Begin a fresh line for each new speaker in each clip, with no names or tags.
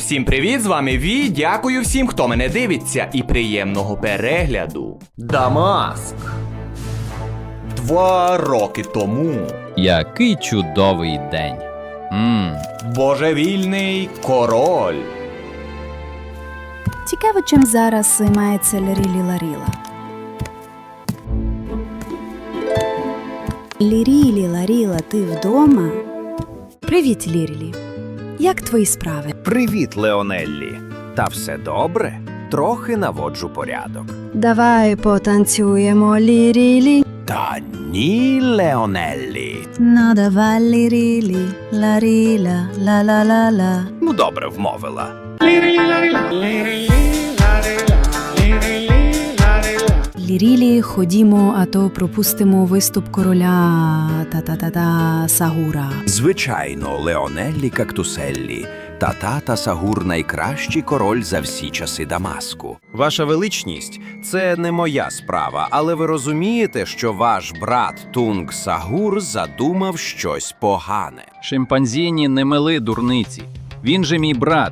Всім привіт, з вами Ві, дякую всім, хто мене дивиться, і приємного перегляду. Дамаск. 2 роки тому.
Який чудовий день.
Божевільний король.
Цікаво, чим зараз займається Лірілі Ларіла. Лірілі Ларіла, ти вдома? Привіт, Лірілі. Як твої справи?
Привіт, Леонеллі. Та все добре? Трохи наводжу порядок.
Давай потанцюємо, Лірілі.
Та ні, Леонеллі.
Ну давай, Лірілі, Ларіла, ла-ла-ла-ла.
Ну, добре вмовила.
Лірілі, ходімо, а то пропустимо виступ короля та-та-та-та Сагура.
Звичайно, Леонеллі Кактуселлі. Та Сагур – найкращий король за всі часи Дамаску. Ваша величність, це не моя справа, але ви розумієте, що ваш брат Тунг Сагур задумав щось погане.
Шимпанзіні не мили дурниці. Він же мій брат.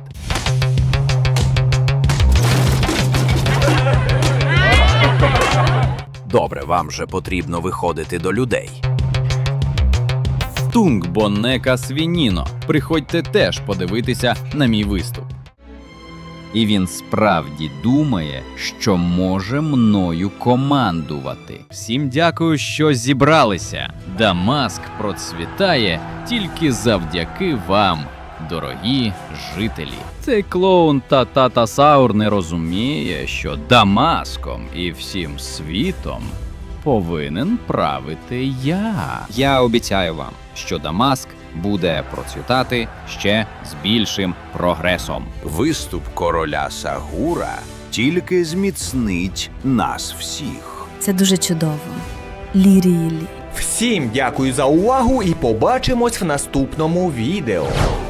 Добре, вам же потрібно виходити до людей.
Тунг Боннека Свініно. Приходьте теж подивитися на мій виступ. І він справді думає, що може мною командувати. Всім дякую, що зібралися. Дамаск процвітає тільки завдяки вам, дорогі жителі. Цей клоун та Саур не розуміє, що Дамаском і всім світом повинен правити я.
Я обіцяю вам, що Дамаск буде процвітати ще з більшим прогресом.
Виступ короля Сагура тільки зміцнить нас всіх.
Це дуже чудово. Лірілі.
Всім дякую за увагу і побачимось в наступному відео.